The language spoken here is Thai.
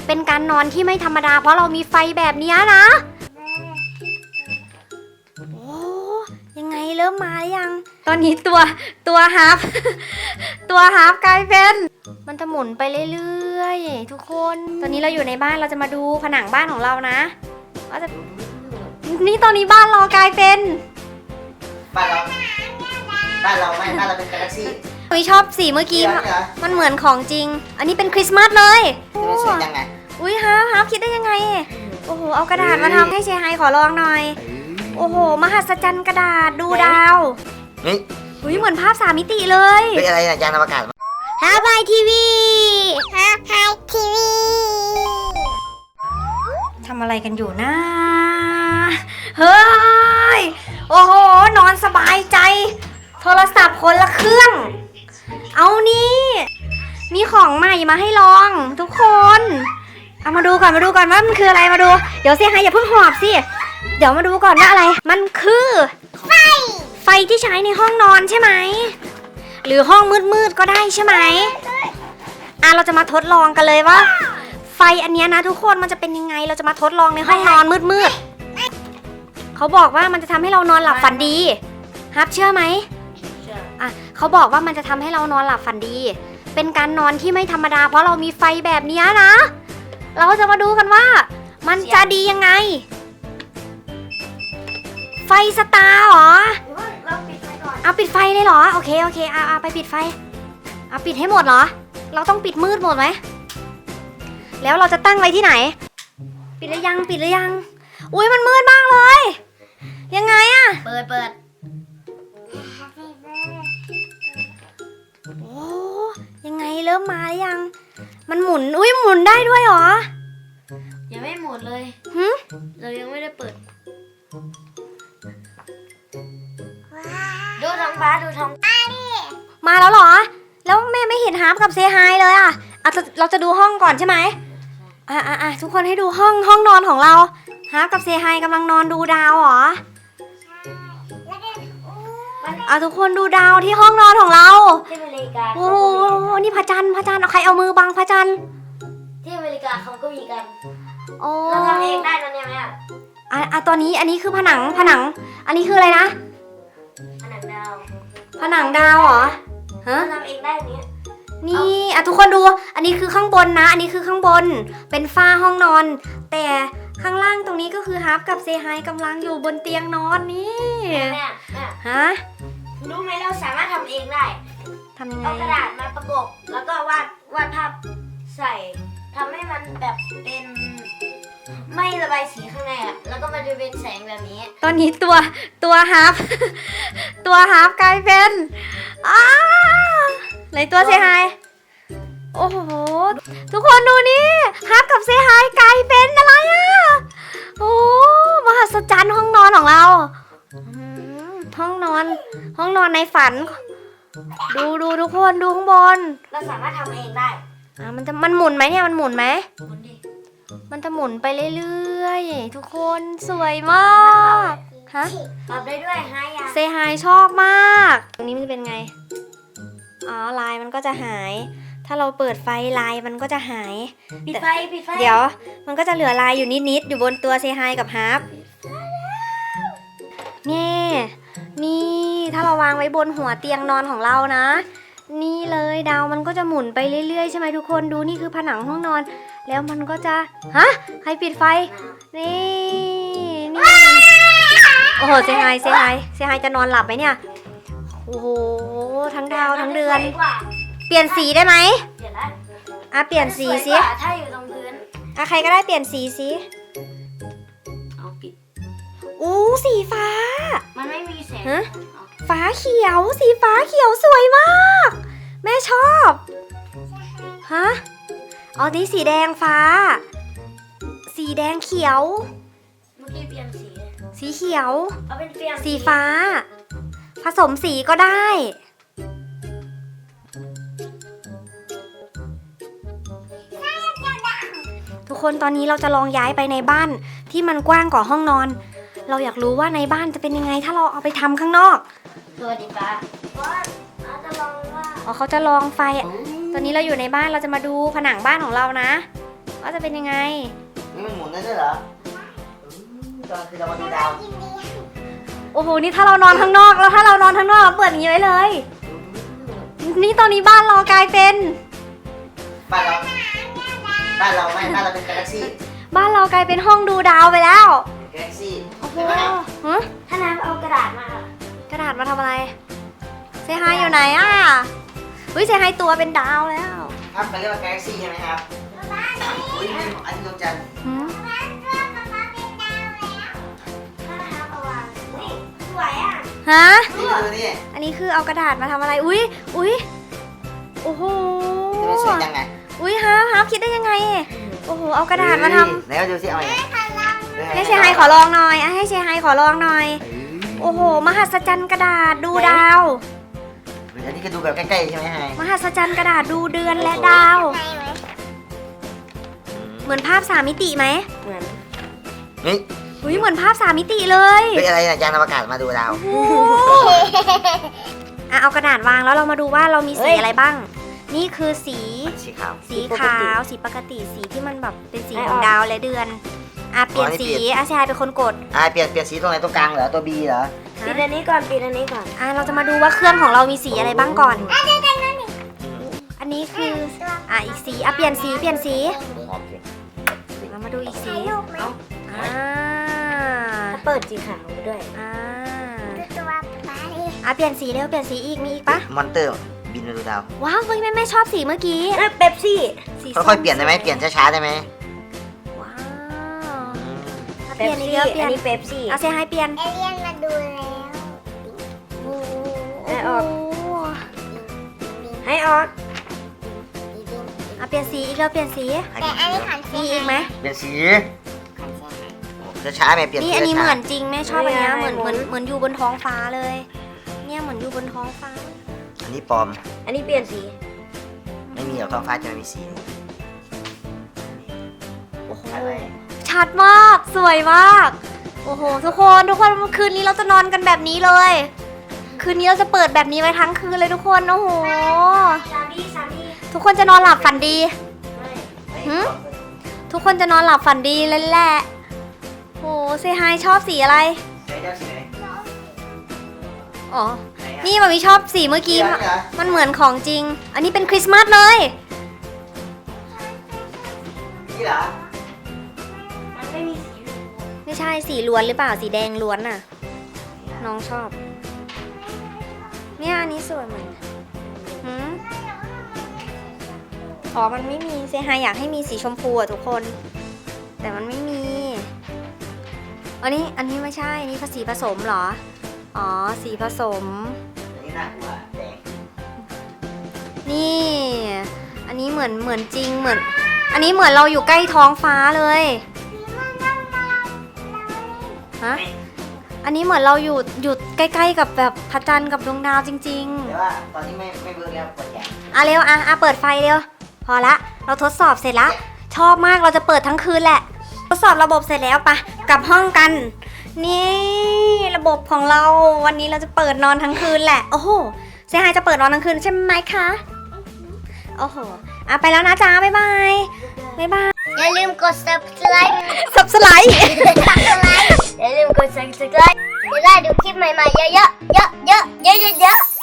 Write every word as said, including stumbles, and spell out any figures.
เป็นการนอนที่ไม่ธรรมดาเพราะเรามีไฟแบบนี้นะโอ้ยังไงเริ่มมาหรือยังตอนนี้ตัวตัวฮาร์ฟ ตัวฮาร์ฟกลายเป็นมันจะหมุนไปเรื่อยๆทุกคนตอนนี้เราอยู่ในบ้านเราจะมาดูผนังบ้านของเรานะว่าจะนี่ตอนนี้บ้านเรากลายเป็นบ้านเราบ้านเราไม่บ้านเราเป็นกาแล็กซี่วิชอบสีเมื่อกี้มันเหมือนของจริงอันนี้เป็นคริสต์มาสเลยจะเป็นสวยยังไงอุ้ยฮาร์ฟฮาร์ฟคิดได้ยังไงโอ้โหเอากระดาษมาทำให้เชยไฮขอลองหน่อยโอ้โหมหัศจรรย์กระดาษดูดาวนี่อุ้ยเหมือนภาพสามมิติเลยเป็นอะไรนะยานอวกาศฮาร์ฟไอทีวีฮาร์ฟไอทีวีทำอะไรกันอยู่นะเฮ้ยโอ้โหนอนสบายใจโทรศัพท์คนละเครื่องเอานี่มีของใหม่มาให้ลองทุกคนเอามาดูก่อนมาดูก่อนว่ามันคืออะไรมาดูเดี๋ยวเซี่ยไฮอย่าเพิ่งหอบสิเดี๋ยวมาดูก่อนว่าอะไรมันคือไฟไฟที่ใช้ในห้องนอนใช่ไหมหรือห้องมืดๆก็ได้ใช่ไหมอ่ะเราจะมาทดลองกันเลยว่าไฟอันนี้นะทุกคนมันจะเป็นยังไงเราจะมาทดลองในห้องนอนมืดๆเขาบอกว่ามันจะทำให้เรานอนหลับฝันดีฮับเชื่อไหมอ่ะเขาบอกว่ามันจะทำให้เรานอนหลับฝันดีเป็นการนอนที่ไม่ธรรมดาเพราะเรามีไฟแบบนี้นะเราจะมาดูกันว่ามันจะดียังไงไฟสตาร์เหรอเราปิดไฟก่อนเอาปิดไฟเลยเหรอโอเคโอเคเอาเอาไปปิดไฟเอาปิดให้หมดเหรอเราต้องปิดมืดหมดไหมแล้วเราจะตั้งไว้ที่ไหนปิดหรือยังปิดหรือยังอุ้ยมันมืดมากเลยยังไงอะเปิดเปิดโอ้ยังไงเริ่มมาหรือยังมันหมุนอุ้ยหมุนได้ด้วยเหรอยังไม่หมดเลยหึเรายังไม่ได้เปิดดูท้องฟ้าดูท้องฟ้าดิมาแล้วเหรอแล้วแม่ไม่เห็นฮาร์ปกับเซฮายเลยอ่ะอ่ะเราจะดูห้องก่อนใช่ไหมอ่ะอ่ะอ่ะทุกคนให้ดูห้องห้องนอนของเราฮาร์ปกับเซฮายกำลังนอนดูดาวเหรออ่ะทุกคนดูดาวที่ห้องนอนของเราที่อเมริกาโอ้โหนี่พระจันทร์พระจันทร์เอาใครเอามือบังพระจันทร์ที่อเมริกาเขาก็มีกันโอ้เราทำเองได้ตอนนี้ไหมอ่ะอ่ะอ่ะตอนนี้อันนี้คือผนังผนังอันนี้คืออะไรนะผนังดาวผนังดาวเหรอฮะทำเองได้เนี้ยนี่อ่ะทุกคนดูอันนี้คือข้างบนนะอันนี้คือข้างบนเป็นฝ้าห้องนอนแต่ข้างล่างตรงนี้ก็คือฮาร์ปกับเซฮายกำลังอยู่บนเตียงนอนนี่แม่ฮะรู้ไหมเราสามารถทำเองได้ทำยังไงเอากระดาษมาประกบแล้วก็วาดวาดภาพใส่ทำให้มันแบบเป็นไม่ระบายสีข้างในอ่ะแล้วก็มันจะเป็นแสงแบบนี้ตอนนี้ตัวตัวฮาร์ปตัวฮาร์ปกลายเป็นอ้าไหนตัวเซฮายโอ้โหทุกคนดูนี่ฮาร์ปกับเซฮายกลายเป็นอะไรอ่ะโอ้มหัศจรรย์ห้องนอนของเราห้องนอนห้องนอนในฝันดูดูทุกคนดูข้างบนเราสามารถทำเองได้อ่ะมันจะมันหมุนไหมเนี่ยมันหมุนไหมหมุนดิมันจะหมุนไปเรื่อยๆทุกคนสวยมาก ฮะปรับได้ด้วยฮายาเซฮายชอบมากตรงนี้มันจะเป็นไงอ๋อลายมันก็จะหายถ้าเราเปิดไฟลายมันก็จะหายปิดไฟปิดไฟเดี๋ยวมันก็จะเหลือลายอยู่นิดๆอยู่บนตัวเซฮายกับฮาร์ปนี่นี่ถ้าเราวางไว้บนหัวเตียงนอนของเรานะนี่เลยดาวมันก็จะหมุนไปเรื่อยๆใช่ไหมทุกคนดูนี่คือผนังห้องนอนแล้วมันก็จะฮะใครปิดไฟนี่นี่โอ้โหเซฮายเซฮายเซฮายจะนอนหลับไหมเนี่ยโอ้โหทั้งดาวทั้งเดือนเปลี่ยนสีได้ไหมเปลี่ยนได้อ่ะเปลี่ยนสีสิถ้าอยู่ตรงพื้นอ่ะใครก็ได้เปลี่ยนสีสิเอาปิดอู้สีฟ้ามันไม่มีแสงฮะฟ้าเขียวสีฟ้าเขียวสวยมากแม่ชอบฮะอ๋อนี่สีแดงฟ้าสีแดงเขียวเมื่อกี้เปลี่ยนสีสีเขียวเอาเป็นเปลี่ยนสีฟ้าผสมสีก็ได้ทุกคนตอนนี้เราจะลองย้ายไปในบ้านที่มันกว้างกว่าห้องนอนเราอยากรู้ว่าในบ้านจะเป็นยังไงถ้าเราเอาไปทำข้างนอกสวัสดีป้าว่าจะลองว่าอ๋อเขาจะลองไฟตอนนี้เราอยู่ในบ้านเราจะมาดูผนังบ้านของเรานะวว่าจะเป็นยังไงนี่มันหมุนได้ด้วยเหรออืมตอนคือเรามาดูดาวโอ้โห นี่ถ้าเรานอนข้างนอกแล้วถ้าเรานอนข้างนอกเราเปิดอย่างนี้ไว้เลย นี่ตอนนี้บ้านเรากลายเป็นบ้านเราบ้านเราไม่บ้านเราเป็นกาแล็กซี่บ้านเรากลายเป็นห้องดูดาวไปแล้วกาแล็กซี่โอ้โหเห็นไหมครับฮะถ้าน้ำเอากระดาษมากระดาษมาทำอะไรเซฮายอยู่ไหนอ่ะเฮ้ยเซฮายตัวเป็นดาวแล้วครับเขาเรียกว่ากาแล็กซี่ใช่ไหมครับอุ้ยอันนี้ดวงจันทร์หืมถ้าน้ำเอาวางนี่สวยอ่ะฮะนี่ดูนี่อันนี้คือเอากระดาษมาทำอะไร อุ้ยอุ้ยโอ้โหจะไม่สวยจังไงอุ้ยฮาร์ฟฮาร์ฟคิดได้ยังไง โอ้โห เอากระดาษมาทไหนมาดูสิเอาไงำให้เซฮายขอลองหน่อยอ่ะให้เซฮายขอลองหน่อย โอ้โห มหัศจรรย์กระดาษดูดาวอันนี้คือดูแบบใกล้ๆใช่ไหมไฮมหัศจรรย์กระดาษดูเดือนและดาว เหมือนภาพสามมิติไหมเหมือนนี่อุ้ยเหมือนภาพสามมิติเลยเป็นอะไรนะยานอวกาศมาดูดาวโอ้โหอ่ะเอากระดาษวางแล้วเรามาดูว่าเรามีสีอะไรบ้าง นี่คือสีสีขาวสีขาวสีปกติสีที่มันแบบเป็นสีของดาวและเดือนอ่ะเปลี่ยนสีอาชายเป็นคนกดอ่าเปลี่ยนเปลี่ยนสีตรงไหนตรงกลางเหรอตัว B เหรอปิดอันนี้ก่อนปิดอันนี้ก่อนอ่ะเราจะมาดูว่าเครื่องของเรามีสีอะไรบ้างก่อน อันนี้คืออ่ะอีกสีอ่ะเปลี่ยนสีเปลี่ยนสีโอเคเรามาดูอีกสีเอ้าอ่าถ้าเปิดสีขาวด้วยอ่าอ่ะเปลี่ยนสีเร็วเปลี่ยนสีอีกมีอีกปะมอนเตอร์บินมาดูดาวว้าวเฮ้ยแม่แม่ชอบสีเมื่อกี้เอ้ยเป๊ปซี่สีส้มค่อยๆเปลี่ยนได้ไหมเปลี่ยนช้าๆได้ไหมว้าวอ่ะเปเป๊ลี่ยปนอีกซี่แล้วเปลี่ยนอันนี้เป๊ปซี่เอาเซฮายเปลี่ยนเอเลี่ยนมาดูแล้วโอ้โหให้ออก ให้ออกอ่ะเปลี่ยนสีอีกแล้วเปลี่ยนสีแต่อันนี้ขันมีอีกไหมเปลี่ยนสีขันเสียหายช้าๆไหมเปลี่ยนนี่สีอันนี้เหช้ามือนจริงแม่ชอบอันเนี้ยเหมือนเหมือนเหมือนอยู่บนท้องฟ้าเลย เนี่ยเหมือนอยู่บนท้องฟ้าๆอันนี้ปลอมอันนี้เปลี่ยนสีไม่มีหรอกท้องฟ้าจะไม่มีสีโอ้โหชัดมากสวยมากโอ้โหทุกคนทุกคนคืนนี้เราจะนอนกันแบบนี้เลย คืนนี้เราจะเปิดแบบนี้ไว้ทั้งคืนเลยทุกคนโอ้โหสามดีสามดีทุกคนจะนอนหลับฝันดีไม่หืม ทุกคนจะนอนหลับฝันดีเลยแหละโอ้เซฮายชอบสีอะไรใช้เจ้าสีไหนอ๋อไหนอะนี่มันมีชอบสีเมื่อกี้สีอะไรเหรอมันเหมือนของจริง อันนี้เป็นคริสต์มาสเลยนี่เหรอมันไม่มีสีไม่ใช่สีล้วนหรือเปล่าสีแดงล้วนน่ะ น้องชอบ เนี่ยอันนี้สวยเหมือนหืมอ๋อมันไม่มีเซฮายอยากให้มีสีชมพูอะทุกคน แต่มันไม่มี อันนี้อันนี้ไม่ใช่ อันนี้สีผสมเหรอ อ๋อ สีผสมอันนี้น่ากลัวแดงนี่ อันนี้เหมือนเหมือนจริงเหมือน อันนี้เหมือนเราอยู่ใกล้ท้องฟ้าเลยฮะอันนี้เหมือนเราอยู่อยู่ใกล้ๆกับแบบพระจันทร์กับดวงดาวจริงแต่ว่าตอนนี้ไม่ไม่เวิร์กแล้วปวดแขนๆอ่ะเร็วอ่ะอ่ะเปิดไฟเร็ว พอละ เราทดสอบเสร็จละ ชอบมากเราจะเปิดทั้งคืนแหละ ทดสอบระบบเสร็จแล้วปะกลับห้องกัน นี่ระบบของเราวันนี้เราจะเปิดนอนทั้งคืนแหละ โอ้โหเซฮายจะเปิดนอนทั้งคืนใช่ไหมคะโอ้โหอ่ะไปแล้วนะจ๊ะบ๊ายบายบ๊ายบายอย่าลืมกด subscribe สับสไลด์ subscribe อย่าลืมกด subscribe จะได้ดูคลิปใหม่ๆเยอะๆเยอะๆเยอะๆเยอะๆ